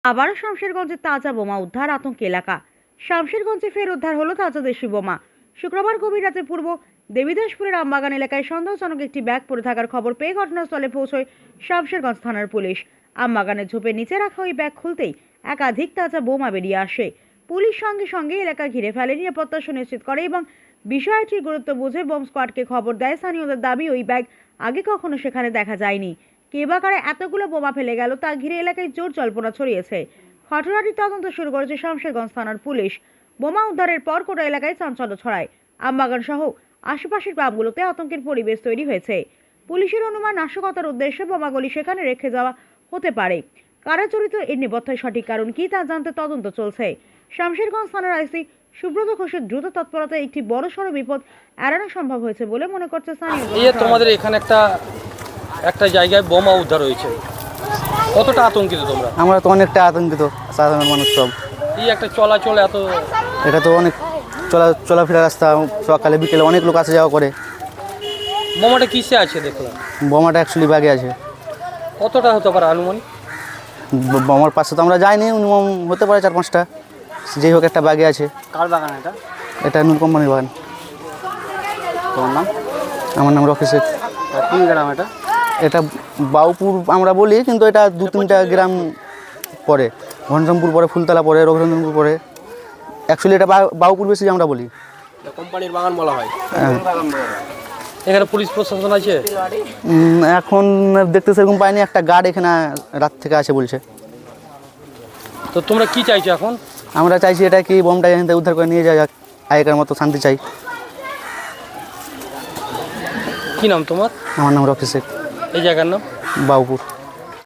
আবারও শামশেরগঞ্জে তাজা বোমা উদ্ধার, আতঙ্ক এলাকা। শামশেরগঞ্জে ফের উদ্ধার হলো তাজা দেশি বোমা। শুক্রবার গভীর রাতে পূর্ব দেবীদাসপুরের আমবাগান এলাকায় সন্দেহজনক একটি ব্যাগ পড়ে থাকার খবর পেয়ে ঘটনাস্থলে পৌঁছয় শামশেরগঞ্জ থানার পুলিশ। আমবাগানের ঝোপের নিচে রাখা ওই ব্যাগ খুলতেই একাধিক তাজা বোমা বেরিয়ে আসে। পুলিশ সঙ্গে সঙ্গে এলাকা ঘিরে ফেলে, নিরাপত্তা সুনিশ্চিত করে এবং বিষয়টির গুরুত্ব বুঝে বোম স্কোয়াডকে খবর দেয়। স্থানীয়দের দাবি, ওই ব্যাগ আগে কখনো সেখানে দেখা যায়নি। কে বা কারা এতগুলো বোমা ফেলে গেল তা ঘিরে এলাকায় জোর জল্পনা ছড়িয়েছে। ঘটনাটির তদন্ত শুরু করেছে শামশেরগঞ্জ থানার পুলিশ। বোমা উদ্ধারের পর গোটা এলাকায় চাঞ্চল্য ছড়ায়। আমবাগান সহ আশেপাশের গ্রামগুলোতে আতঙ্কের পরিবেশ তৈরি হয়েছে। পুলিশের অনুমান, নাশকতার উদ্দেশ্যে বোমাগুলি সেখানে রেখে যাওয়া হতে পারে। কারা জড়িত এর নেপথ্যের সঠিক কারণ কি তা জানতে তদন্ত চলছে। শামশেরগঞ্জ থানার আইসি সুব্রত ঘোষের দ্রুত তৎপরতায় একটি বড়সড় বিপদ এড়ানো সম্ভব হয়েছে বলে মনে করছে স্থানীয়। তোমাদের এখানে একটা জায়গায় বোমা উদ্ধার হয়েছে, কতটা আতঙ্কিত তোমরা? আমরা তো অনেকটা আতঙ্কিত, সাধারণ মানুষ সব। এই একটা চলাচল এত, এটা তো অনেক চলাফেরা রাস্তা, সকালে বিকেলে অনেক লোক আসা যাওয়া করে। বোমাটা কিসে আছে দেখলাম? বোমাটা অ্যাকচুয়ালি ব্যাগে আছে। কতটা হতে পারে আনুমানিক? বোমার পাশে তো আমরা যাইনি, মিনিমাম হতে পারে 4-5টা। যেই হোক একটা ব্যাগে আছে। কার বাগান এটা? এটা নূর কোম্পানির বাগান। তোমার নাম? আমার নাম রকি শেখ। কোন গ্রাম এটা? এটা বাউপুর আমরা বলি, কিন্তু এটা 2-3টা গ্রাম পরে। ঘনশ্যামপুর পরে, ফুলতলা পরে, রঘুরঞ্জনপুর পরে। অ্যাকচুয়ালি এটা বাউপুর বেশি আমরা বলি, কোম্পানির বাগান বলা হয়। এখানে পুলিশ প্রশাসন আছে? এখন দেখতে সেরকম পাইনি। একটা গার্ড এখানে রাত থেকে আছে বলছে। তো তোমরা কি চাইছো এখন? আমরা চাইছি এটা কি বোমটা এখান থেকে উদ্ধার করে নিয়ে যাওয়া যাক, আগেকার মতো শান্তি চাই। কি নাম তোমার? আমার নাম রকি শেখ। এই জায়গার নাম? বাউপুর।